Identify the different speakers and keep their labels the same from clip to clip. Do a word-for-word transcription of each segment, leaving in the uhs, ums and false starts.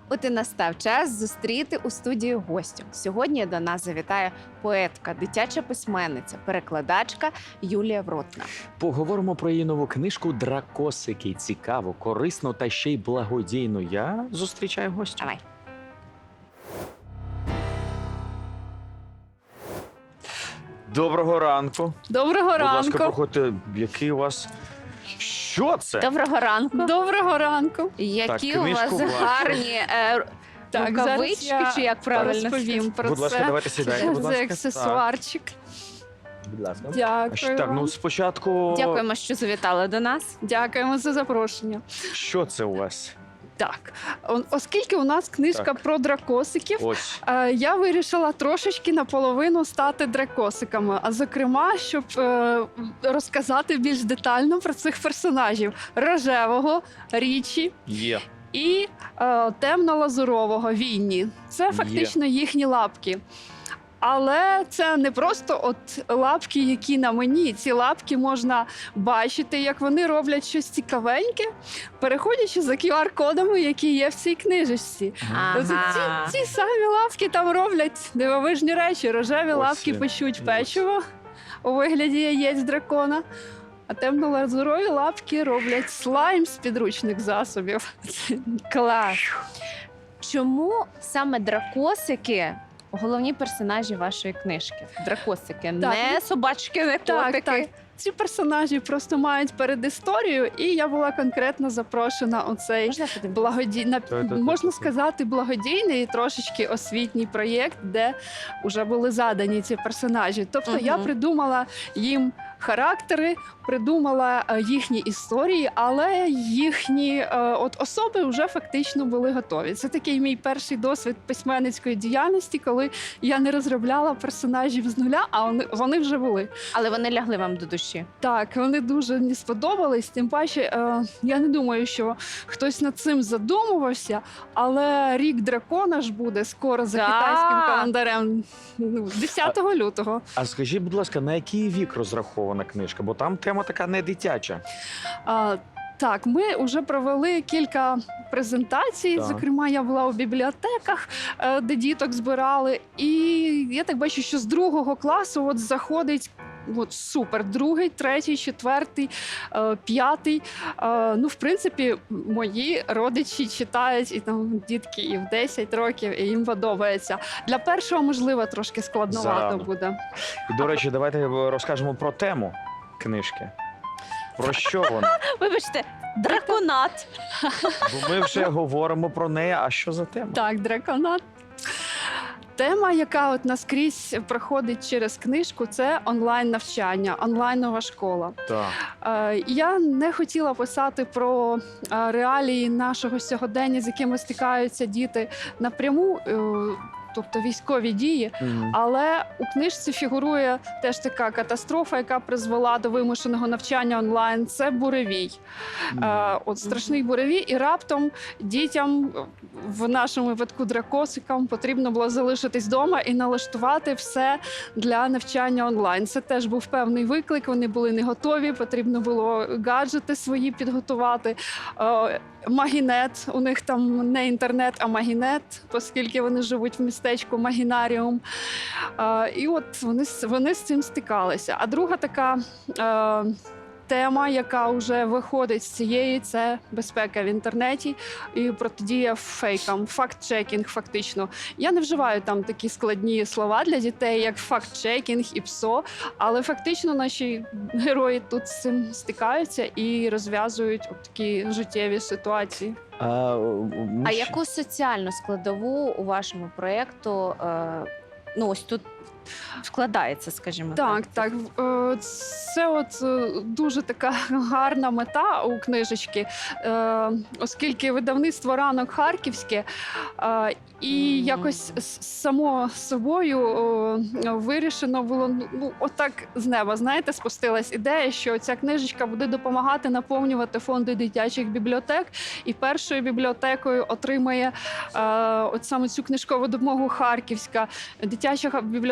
Speaker 1: От і настав час зустріти у студії гостю. Сьогодні до нас завітає поетка, дитяча письменниця, перекладачка Юлія Вротна.
Speaker 2: Поговоримо про її нову книжку «Дракосики». Цікаво, корисно та ще й благодійно. Я зустрічаю гостя.
Speaker 1: Давай.
Speaker 2: Доброго ранку.
Speaker 3: Доброго
Speaker 2: Будь ласка,
Speaker 3: ранку.
Speaker 2: проходьте. Який у вас... Що це?
Speaker 1: Доброго ранку.
Speaker 3: Доброго ранку.
Speaker 1: Які
Speaker 2: Так,
Speaker 1: у вас
Speaker 2: книжку бачу.
Speaker 1: гарні е,
Speaker 3: Так,
Speaker 1: рукавички,
Speaker 3: зараз я
Speaker 1: чи як правильно
Speaker 3: розповім про
Speaker 2: Будь
Speaker 3: це.
Speaker 2: ласка, давайте сідайте. Будь
Speaker 3: Це
Speaker 2: ласка.
Speaker 3: аксесуарчик.
Speaker 2: Так, будь ласка.
Speaker 3: Дякую.
Speaker 2: Так,
Speaker 3: вам.
Speaker 2: ну спочатку...
Speaker 1: Дякуємо, що завітали до нас.
Speaker 3: Дякуємо за запрошення.
Speaker 2: Що це у вас?
Speaker 3: Так, о- оскільки у нас книжка
Speaker 2: Так.
Speaker 3: про дракосиків,
Speaker 2: Ось.
Speaker 3: е, я вирішила трошечки наполовину стати дракосиками. А зокрема, щоб е, розказати більш детально про цих персонажів: рожевого, Річі
Speaker 2: Є.
Speaker 3: і е, темно-лазурового Вінні. Це
Speaker 2: Є.
Speaker 3: фактично їхні лапки. Але це не просто от лапки, які на мені. Ці лапки можна бачити, як вони роблять щось цікавеньке, переходячи за кю ар-кодами, які є в цій книжечці. Тобто
Speaker 1: Ага.
Speaker 3: ці, ці самі лапки там роблять дивовижні речі. Рожеві
Speaker 2: Ось
Speaker 3: лапки
Speaker 2: він.
Speaker 3: печуть
Speaker 2: Ось.
Speaker 3: печиво у вигляді яєць дракона. А темно-лазурові лапки роблять слайм з підручних засобів.
Speaker 1: Клас. Чому саме дракосики головні персонажі вашої книжки? Дракосики, не собачки, не
Speaker 3: Так,
Speaker 1: котики.
Speaker 3: так. Ці персонажі просто мають передісторію, і я була конкретно запрошена у цей
Speaker 1: Можна я подивлюсь?
Speaker 3: благодійний,
Speaker 2: Та-та-та-та.
Speaker 3: можна сказати, благодійний і трошечки освітній проєкт, де вже були задані ці персонажі. Тобто я
Speaker 1: Мгм.
Speaker 3: придумала їм характери, придумала е, їхні історії, але їхні е, от особи вже фактично були готові. Це такий мій перший досвід письменницької діяльності, коли я не розробляла персонажів з нуля, а вони, вони вже були.
Speaker 1: Але вони лягли вам до душі.
Speaker 3: Так, вони дуже мені сподобались. Тим паче, е, я не думаю, що хтось над цим задумувався, але рік дракона ж буде скоро за
Speaker 1: Так.
Speaker 3: китайським календарем, ну, десятого лютого.
Speaker 2: А скажіть, будь ласка, на який вік розрахована книжка? Бо там тема така не дитяча.
Speaker 3: А, так, ми вже провели кілька презентацій.
Speaker 2: Так.
Speaker 3: Зокрема, я була у бібліотеках, е, де діток збирали. І я так бачу, що з другого класу от заходить. От супер, другий, третій, четвертий, е, п'ятий. Е, ну, в принципі, мої родичі читають і там дітки і в десять років, і їм подобається. Для першого, можливо, трошки складновато
Speaker 2: Зарано.
Speaker 3: буде.
Speaker 2: І, до речі, давайте розкажемо про тему книжки. Про що вона?
Speaker 1: Вибачте, драконат.
Speaker 2: Бо ми вже говоримо про неї, а що за тема?
Speaker 3: Так, драконат. Тема, яка от наскрізь проходить через книжку, це онлайн-навчання, онлайнова школа.
Speaker 2: Так.
Speaker 3: Е, Я не хотіла писати про е, реалії нашого сьогодення, з якими стикаються діти напряму, е, тобто військові дії.
Speaker 2: Мгм.
Speaker 3: Але у книжці фігурує теж така катастрофа, яка призвела до вимушеного навчання онлайн. Це буревій. Е, От страшний буревій, і раптом дітям, в нашому випадку дракосикам, потрібно було залишитись вдома і налаштувати все для навчання онлайн. Це теж був певний виклик. Вони були не готові. Потрібно було гаджети свої підготувати. Е, Магінет, у них там не інтернет, а магінет, оскільки вони живуть в містечку Магінаріум. Е, І от вони, з- вони з цим стикалися. А друга така е, тема, яка вже виходить з цієї, це безпека в інтернеті і протидія фейкам, факт-чекінг фактично. Я не вживаю там такі складні слова для дітей, як факт-чекінг і ПСО, але фактично наші герої тут з цим стикаються і розв'язують от такі життєві ситуації.
Speaker 2: А, ми
Speaker 1: А
Speaker 2: ще-
Speaker 1: яку соціальну складову у вашому проєкту, е, ну ось тут вкладається, скажімо
Speaker 3: Так,
Speaker 1: так?
Speaker 3: так. Е, Це от е, дуже така гарна мета у книжечки, е, оскільки видавництво «Ранок» харківське, е, і
Speaker 1: Мгм.
Speaker 3: якось с- само собою е, вирішено було, ну, отак з неба, знаєте, спустилась ідея, що ця книжечка буде допомагати наповнювати фонди дитячих бібліотек, і першою бібліотекою отримає е, от саме цю книжкову допомогу Харківська дитяча бібліотека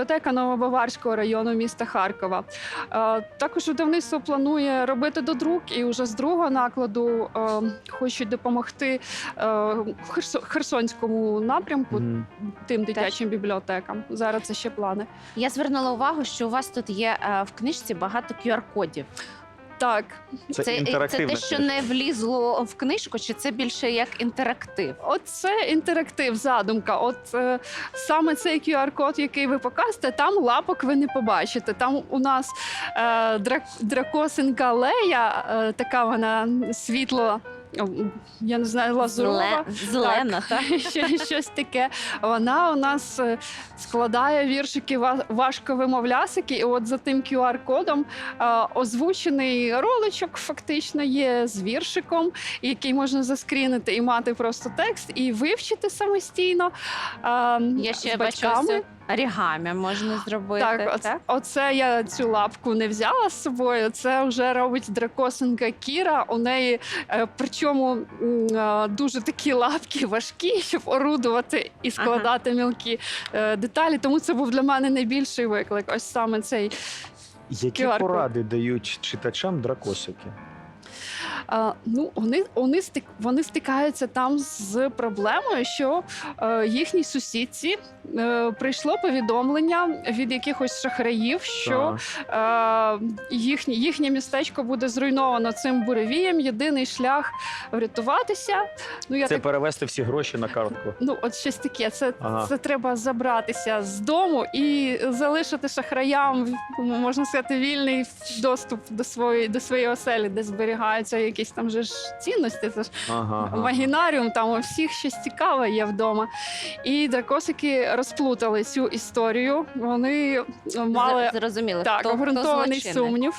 Speaker 3: бібліотека Новобаварського району міста Харкова. Е, Також видавництво планує робити додрук, і вже з другого накладу е, хочуть допомогти е, Херсо- Херсонському напрямку,
Speaker 2: Мгм.
Speaker 3: тим дитячим бібліотекам. Зараз це ще плани.
Speaker 1: Я звернула увагу, що у вас тут є е, в книжці багато кю ар-кодів.
Speaker 3: Так,
Speaker 2: Це,
Speaker 1: Це, це
Speaker 2: інтерактивна
Speaker 1: те, що
Speaker 2: книжка.
Speaker 1: не влізло в книжку, чи це більше як інтерактив?
Speaker 3: от це інтерактив, задумка. От е, саме цей кю ар-код, який ви покажете, там лапок ви не побачите. Там у нас е, драк, дракосинка Лея, е, така вона світло. о, Я не знаю, лазурова.
Speaker 1: Зеле- Зелена, так?
Speaker 3: Ще щось таке. Вона у нас е, складає віршики ва- важковимовлясики, і от за тим кю ар-кодом е, озвучений роличок фактично є з віршиком, який можна заскрінити і мати просто текст, і вивчити самостійно. е,
Speaker 1: Я
Speaker 3: з
Speaker 1: ще бачу
Speaker 3: батьками.
Speaker 1: ось орігамі можна зробити.
Speaker 3: Так, оце, оце я цю лапку не взяла з собою. Це вже робить дракосинка Кіра. У неї е, причому м, е, дуже такі лапки важкі, щоб орудувати і складати мілкі е, деталі. Тому це був для мене найбільший виклик. Ось саме цей.
Speaker 2: Які
Speaker 3: кю ар-код.
Speaker 2: поради дають читачам дракосики?
Speaker 3: А, ну, вони, вони, стик, вони стикаються там з проблемою, що е, їхній сусідці е, прийшло повідомлення від якихось шахраїв, що
Speaker 2: Ага.
Speaker 3: е, їхнє, їхнє містечко буде зруйновано цим буревієм. Єдиний шлях врятуватися. Ну, я
Speaker 2: Це
Speaker 3: так,
Speaker 2: перевести всі гроші на картку.
Speaker 3: ну, от щось таке. Це,
Speaker 2: Ага.
Speaker 3: це треба забратися з дому і залишити шахраям, можна сказати, вільний доступ до своєї, до своєї оселі, де зберігаються якісь там же ж цінності. Це ж
Speaker 2: Ага, ага.
Speaker 3: магінаріум, там у всіх щось цікаве є вдома. І дракосики розплутали цю історію. Вони мали
Speaker 1: З- Зрозуміло,
Speaker 3: так,
Speaker 1: хто, хто
Speaker 3: обґрунтований
Speaker 1: злочинник.
Speaker 3: сумнів.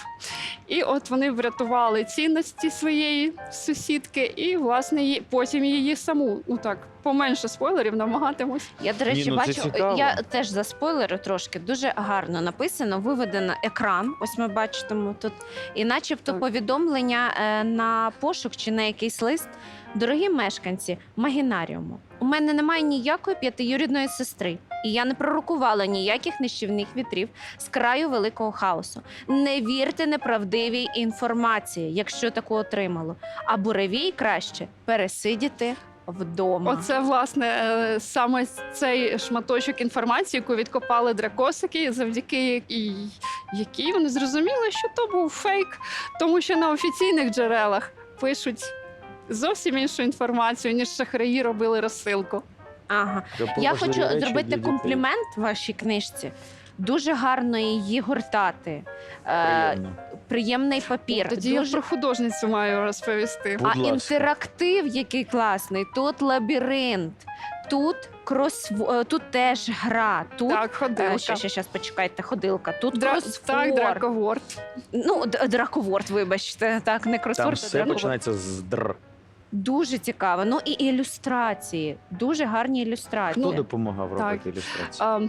Speaker 3: І от вони врятували цінності своєї сусідки, і власне її, потім її саму. Ну так, поменше спойлерів намагатимусь.
Speaker 1: Я, до речі,
Speaker 2: Ні, ну це
Speaker 1: бачу,
Speaker 2: цікаво.
Speaker 1: я теж за спойлери трошки дуже гарно написано, виведено екран. Ось ми бачимо тут, і начебто
Speaker 3: Так.
Speaker 1: повідомлення е, на пошук чи на якийсь лист. Дорогі мешканці Магінаріуму, у мене немає ніякої п'ятиюрідної сестри, і я не пророкувала ніяких нищівних вітрів з краю великого хаосу. Не вірте неправдивій інформації, якщо таку отримало. А буревій краще пересидіти вдома.
Speaker 3: Оце власне е, саме цей шматочок інформації, яку відкопали дракосики, завдяки якій, якій вони зрозуміли, що то був фейк, тому що на офіційних джерелах пишуть зовсім іншу інформацію, ніж шахраї робили розсилку.
Speaker 1: Ага.
Speaker 2: Це
Speaker 1: Я
Speaker 2: важливі
Speaker 1: хочу
Speaker 2: речі для
Speaker 1: зробити
Speaker 2: дітей.
Speaker 1: комплімент вашій книжці. Дуже гарно її гортати. Е,
Speaker 2: Приємно.
Speaker 1: приємний папір.
Speaker 3: Тоді я
Speaker 1: Дуже...
Speaker 3: про художницю маю розповісти.
Speaker 2: Будь
Speaker 1: А
Speaker 2: ласка.
Speaker 1: інтерактив який класний. Тут лабіринт, тут крос... е, тут теж гра, тут
Speaker 3: Так, ходилка.
Speaker 1: Е, ще, ще, ще, почекайте, ходилка. Тут
Speaker 3: Дра...
Speaker 1: кросворд.
Speaker 3: Так, драковорд.
Speaker 1: Ну, д- драковорд, вибачте, так, не
Speaker 2: Там
Speaker 1: кросворд, а
Speaker 2: все
Speaker 1: драковорд.
Speaker 2: починається з др.
Speaker 1: Дуже цікаво. Ну і ілюстрації, дуже гарні ілюстрації.
Speaker 2: Хто
Speaker 3: Ну,
Speaker 2: допомагав
Speaker 3: так.
Speaker 2: робити ілюстрації?
Speaker 3: А,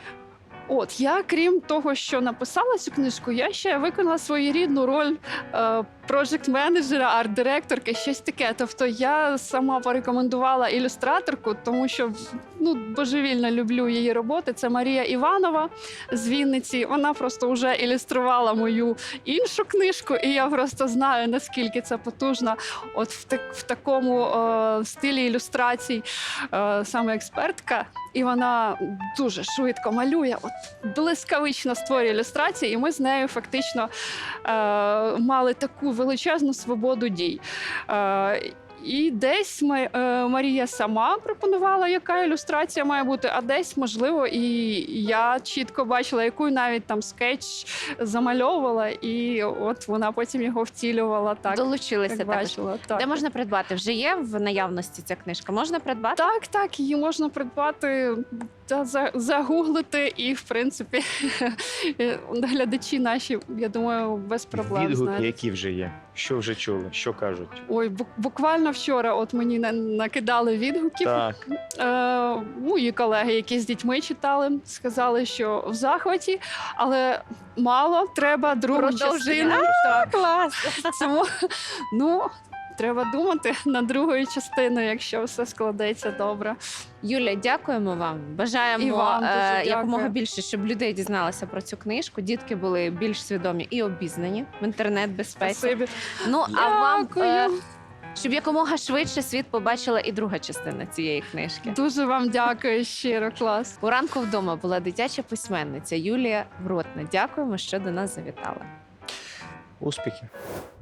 Speaker 3: от я, крім того, що написала цю книжку, я ще виконала своєрідну роль е, проджект-менеджера, арт-директорки, щось таке. Тобто я сама порекомендувала ілюстраторку, тому що ну, божевільно люблю її роботи. Це Марія Іванова з Вінниці. Вона просто вже ілюструвала мою іншу книжку, і я просто знаю, наскільки це потужно. От в, так, в такому е, стилі ілюстрацій е, саме експертка. І вона дуже швидко малює, от блискавично створює ілюстрації, і ми з нею фактично е, мали таку величезну свободу дій. Е, І десь ми, е, Марія сама пропонувала, яка ілюстрація має бути, а десь, можливо, і я чітко бачила, яку навіть там скетч замальовувала, і от вона потім його втілювала так,
Speaker 1: Долучилися
Speaker 3: як
Speaker 1: також.
Speaker 3: бачила. Так.
Speaker 1: Де можна придбати? Вже є в наявності ця книжка? Можна придбати?
Speaker 3: Так, так, її можна придбати та за- загуглити, і в принципі глядачі наші, я думаю, без проблем
Speaker 2: Відгуки,
Speaker 3: знають.
Speaker 2: які вже є. Що вже чули? Що кажуть?
Speaker 3: Ой, бу- буквально вчора от мені на- накидали відгуків.
Speaker 2: Так.
Speaker 3: Е, мої колеги, які з дітьми читали, сказали, що в захваті, але мало, треба другу
Speaker 1: Продовження.
Speaker 3: частину. Так,
Speaker 1: Клас!
Speaker 3: тому, ну, треба думати над другою частиною, якщо все складеться добре.
Speaker 1: Юля, дякуємо вам. Бажаємо
Speaker 3: І вам дуже
Speaker 1: е,
Speaker 3: дякую.
Speaker 1: якомога більше, щоб людей дізналися про цю книжку. Дітки були більш свідомі і обізнані в інтернет-безпеці.
Speaker 3: Спасибі.
Speaker 1: Ну а вам,
Speaker 3: Дякую.
Speaker 1: е, щоб якомога швидше світ побачила і друга частина цієї книжки.
Speaker 3: Дуже вам дякую щиро, клас.
Speaker 1: У ранку вдома була дитяча письменниця Юлія Вротна. Дякуємо, що до нас завітали.
Speaker 2: Успіхів!